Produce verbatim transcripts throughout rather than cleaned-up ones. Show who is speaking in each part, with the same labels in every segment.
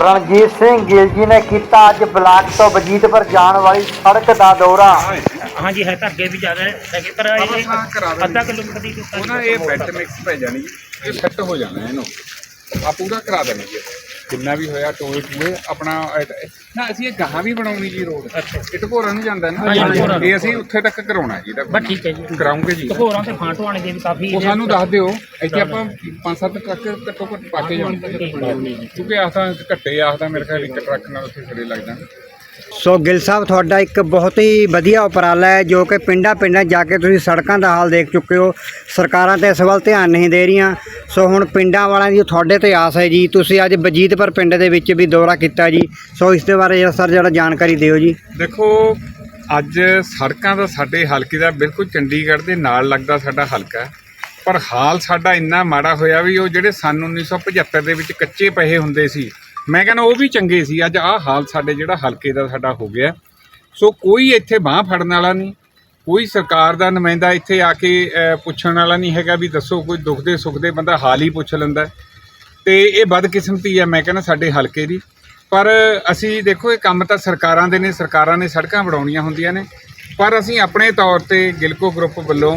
Speaker 1: रणजीत सिंह गिल जी ने किया अज ब्लाक तो वजीदपुर जाने वाली सड़क का दौरा।
Speaker 2: हाँ जी है तो अगे भी ज़्यादा है पर अद्धा किलोमीटर की
Speaker 3: ਉਹਨਾਂ ਇਹ ਬੈੱਡ ਮਿਕਸ ਪੈ ਜਾਣੀ ਇਹ ਫਿੱਟ ਹੋ ਜਾਣਾ ਇਹਨੂੰ ਆ ਪੂਰਾ ਕਰਾ ਦੇਣੀ ਜੀ ਜਿੰਨਾ ਵੀ ਹੋਇਆ ਟੋਏ ਟੂਏ ਆਪਣਾ ਨਾ ਅਸੀਂ ਇਹ ਗਾਹਾਂ ਵੀ ਬਣਾਉਣੀ ਜੀ ਰੋਡ ਇਹ ਢਕੋਰਾਂ ਨੂੰ ਜਾਂਦਾ ਨਾ ਇਹ ਅਸੀਂ ਉੱਥੇ ਤੱਕ ਕਰਾਉਣਾ ਜੀ
Speaker 2: ਬਸ ਠੀਕ ਹੈ ਜੀ
Speaker 3: ਕਰਾਉਂਗੇ ਜੀ
Speaker 2: ਢਕੋਰਾਂ ਤੇ ਫਾਂਟੋ ਵਾਲੇ ਦੇ ਵੀ ਕਾਫੀ
Speaker 3: ਉਹ ਸਾਨੂੰ ਦੱਸ ਦਿਓ ਇੱਥੇ ਆਪਾਂ ਪੰਜ ਸੱਤ ਟਰੱਕ ਘੱਟੋ ਘੱਟ ਪਾ ਕੇ ਜਾਵਾਂਗੇ ਕਿਉਂਕਿ ਆਹ ਤਾਂ ਘੱਟੇ ਆਖਦਾ ਮੇਰੇ ਖਿਆਲ ਇੱਕ ਟਰੱਕ ਨਾਲ ਉੱਥੇ ਖੜੇ ਲੱਗ ਜਾਣ।
Speaker 1: ਸੋ ਗਿੱਲ ਸਾਹਿਬ ਤੁਹਾਡਾ ਇੱਕ ਬਹੁਤ ਹੀ ਵਧੀਆ ਉਪਰਾਲਾ ਹੈ ਜੋ ਕਿ ਪਿੰਡਾਂ ਪਿੰਡਾਂ ਜਾ ਕੇ ਤੁਸੀਂ ਸੜਕਾਂ ਦਾ ਹਾਲ ਦੇਖ ਚੁੱਕੇ ਹੋ। ਸਰਕਾਰਾਂ ਤਾਂ ਇਸ ਵੱਲ ਧਿਆਨ ਨਹੀਂ ਦੇ ਰਹੀਆਂ। ਸੋ ਹੁਣ ਪਿੰਡਾਂ ਵਾਲਿਆਂ ਦੀ ਤੁਹਾਡੇ ਤੇ ਆਸ ਹੈ ਜੀ। ਤੁਸੀਂ ਅੱਜ ਵਜੀਦਪੁਰ ਪਿੰਡ ਦੇ ਵਿੱਚ ਵੀ ਦੌਰਾ ਕੀਤਾ ਜੀ। ਸੋ ਇਸ ਦੇ ਬਾਰੇ ਜਿਹੜਾ ਸਰ ਜਿਹੜਾ ਜਾਣਕਾਰੀ ਦਿਓ ਜੀ।
Speaker 3: ਦੇਖੋ ਅੱਜ ਸੜਕਾਂ ਦਾ ਸਾਡੇ ਹਲਕੇ ਦਾ ਬਿਲਕੁਲ ਚੰਡੀਗੜ੍ਹ ਦੇ ਨਾਲ ਲੱਗਦਾ ਸਾਡਾ ਹਲਕਾ ਪਰ ਹਾਲ ਸਾਡਾ ਇੰਨਾ ਮਾੜਾ ਹੋਇਆ ਵੀ ਉਹ ਜਿਹੜੇ ਸੰਨ ਉੱਨੀ ਸੌ ਪਝੱਤਰ ਦੇ ਵਿੱਚ ਕੱਚੇ ਪਏ ਹੁੰਦੇ ਸੀ ਮੈਂ ਕਹਿੰਦਾ ਉਹ ਵੀ ਚੰਗੇ ਸੀ। ਅੱਜ ਆਹ ਹਾਲ ਸਾਡੇ ਜਿਹੜਾ ਹਲਕੇ ਦਾ ਸਾਡਾ ਹੋ ਗਿਆ। ਸੋ ਕੋਈ ਇੱਥੇ ਬਾਂਹ ਫੜਨ ਵਾਲਾ ਨਹੀਂ, ਕੋਈ ਸਰਕਾਰ ਦਾ ਨੁਮਾਇੰਦਾ ਇੱਥੇ ਆ ਕੇ ਪੁੱਛਣ ਵਾਲਾ ਨਹੀਂ ਹੈਗਾ ਵੀ ਦੱਸੋ ਕੋਈ ਦੁੱਖ ਦੇ ਸੁੱਖ ਦੇ ਬੰਦਾ ਹਾਲ ਹੀ ਪੁੱਛ ਲੈਂਦਾ ਤੇ ਇਹ ਬਦਕਿਸਮਤੀ ਹੈ ਮੈਂ ਕਹਿੰਦਾ ਸਾਡੇ ਹਲਕੇ ਦੀ। ਪਰ ਅਸੀਂ ਦੇਖੋ ਇਹ ਕੰਮ ਤਾਂ ਸਰਕਾਰਾਂ ਦੇ ਨੇ, ਸਰਕਾਰਾਂ ਨੇ ਸੜਕਾਂ ਬਣਾਉਣੀਆਂ ਹੁੰਦੀਆਂ ਨੇ ਪਰ ਅਸੀਂ ਆਪਣੇ ਤੌਰ ਤੇ ਗਿਲਕੋ ਗਰੁੱਪ ਵੱਲੋਂ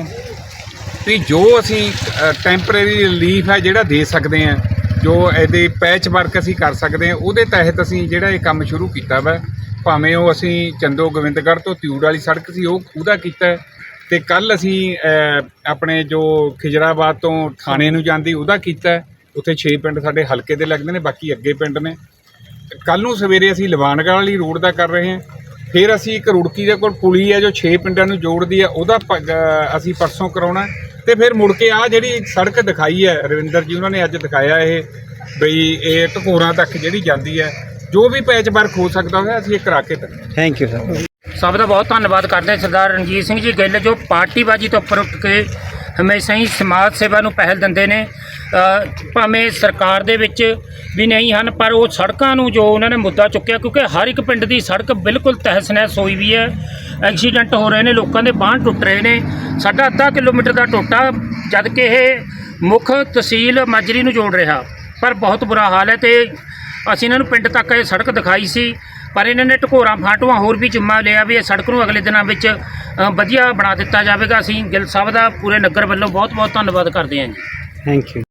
Speaker 3: ਵੀ ਜੋ ਅਸੀਂ ਟੈਂਪਰੇਰੀ ਰਿਲੀਫ ਹੈ ਜਿਹੜਾ ਦੇ ਸਕਦੇ ਹਾਂ, ਜੋ ਇਹਦੇ ਪੈਚ ਵਰਕ ਅਸੀਂ ਕਰ ਸਕਦੇ ਹਾਂ ਉਹਦੇ ਤਹਿਤ ਅਸੀਂ ਜਿਹੜਾ ਇਹ ਕੰਮ ਸ਼ੁਰੂ ਕੀਤਾ ਵਾ। ਭਾਵੇਂ ਉਹ ਅਸੀਂ ਚੰਦੋ ਗੋਬਿੰਦਗੜ੍ਹ ਤੋਂ ਤਿਊੜ ਵਾਲੀ ਸੜਕ ਸੀ ਉਹ ਉਹਦਾ ਕੀਤਾ ਤੇ ਕੱਲ ਅਸੀਂ ਆਪਣੇ ਜੋ ਖਿਜਰਾਬਾਦ ਤੋਂ ਥਾਣੇ ਨੂੰ ਜਾਂਦੀ ਉਹਦਾ ਕੀਤਾ। ਉੱਥੇ ਛੇ ਪਿੰਡ ਸਾਡੇ ਹਲਕੇ ਦੇ ਲੱਗਦੇ ਨੇ, ਬਾਕੀ ਅੱਗੇ ਪਿੰਡ ਨੇ। ਕੱਲ ਨੂੰ ਸਵੇਰੇ ਅਸੀਂ ਲਵਾਨਗੜ੍ਹ ਵਾਲੀ ਰੋਡ ਦਾ ਕਰ ਰਹੇ ਹਾਂ। ਫਿਰ ਅਸੀਂ ਇੱਕ ਰੁੜਕੀ ਦੇ ਕੋਲ ਪੁਲੀ ਹੈ ਜੋ ਛੇ ਪਿੰਡਾਂ ਨੂੰ ਜੋੜਦੀ ਹੈ ਉਹਦਾ ਅਸੀਂ ਪਰਸੋਂ ਕਰਾਉਣਾ ਤੇ ਫਿਰ ਮੁੜ ਕੇ ਆ ਜਿਹੜੀ ਸੜਕ ਦਿਖਾਈ ਹੈ ਰਵਿੰਦਰ ਜੀ ਉਹਨਾਂ ਨੇ ਅੱਜ ਦਿਖਾਇਆ ਇਹ ਬਈ ਇਹ ਢਕੋਰਾਂ ਤੱਕ ਜਿਹੜੀ ਜਾਂਦੀ ਹੈ ਜੋ ਵੀ ਪੈਚ ਵਰਕ ਹੋ ਸਕਦਾ ਹੋਇਆ ਅਸੀਂ ਇਹ ਕਰਾ ਕੇ
Speaker 1: ਥੈਂਕ ਯੂ ਸਰ।
Speaker 2: ਸਭ ਦਾ ਬਹੁਤ ਧੰਨਵਾਦ ਕਰਦੇ ਹਾਂ ਸਰਦਾਰ ਰਣਜੀਤ ਸਿੰਘ ਜੀ ਗਿੱਲ ਜੋ ਪਾਰਟੀਬਾਜੀ ਤੋਂ ਉੱਪਰ ਉੱਠ ਕੇ ਹਮੇਸ਼ਾ ਹੀ ਸਮਾਜ ਸੇਵਾ ਨੂੰ ਪਹਿਲ ਦਿੰਦੇ ਨੇ। ਭਾਵੇਂ ਸਰਕਾਰ ਦੇ ਵਿੱਚ ਵੀ ਨਹੀਂ ਹਨ ਪਰ ਉਹ ਸੜਕਾਂ ਨੂੰ ਜੋ ਉਹਨਾਂ ਨੇ ਮੁੱਦਾ ਚੁੱਕਿਆ ਕਿਉਂਕਿ ਹਰ ਇੱਕ ਪਿੰਡ ਦੀ ਸੜਕ ਬਿਲਕੁਲ ਤਹਿਸ ਨਹਿਸ ਹੋਈ ਵੀ ਹੈ। ਐਕਸੀਡੈਂਟ ਹੋ ਰਹੇ ਨੇ, ਲੋਕਾਂ ਦੇ ਬਾਂਹ ਟੁੱਟ ਰਹੇ ਨੇ। ਸਾਡਾ ਅੱਧਾ ਕਿਲੋਮੀਟਰ ਦਾ ਟੋਟਾ ਜਦ ਕਿ ਇਹ ਮੁੱਖ ਤਹਿਸੀਲ ਮਾਜਰੀ ਨੂੰ ਜੋੜ ਰਿਹਾ ਪਰ ਬਹੁਤ ਬੁਰਾ ਹਾਲ ਹੈ ਤੇ ਅਸੀਂ ਇਹਨਾਂ ਨੂੰ ਪਿੰਡ ਤੱਕ ਇਹ ਸੜਕ ਦਿਖਾਈ ਸੀ ਪਰ ਇਹਨਾਂ ਨੇ ਢਕੋਰਾਂ ਫਾਟੂਆਂ ਹੋਰ ਵੀ ਜਿੰਮਾ ਲਿਆ ਵੀ ਇਹ ਸੜਕ ਨੂੰ ਅਗਲੇ ਦਿਨਾਂ ਵਿੱਚ ਵਧੀਆ ਬਣਾ ਦਿੱਤਾ ਜਾਵੇਗਾ। ਅਸੀਂ ਗਿੱਲ ਸਾਹਿਬ ਦਾ ਪੂਰੇ ਨਗਰ ਵੱਲੋਂ ਬਹੁਤ ਬਹੁਤ ਧੰਨਵਾਦ ਕਰਦੇ ਹਾਂ ਜੀ।
Speaker 1: Thank you.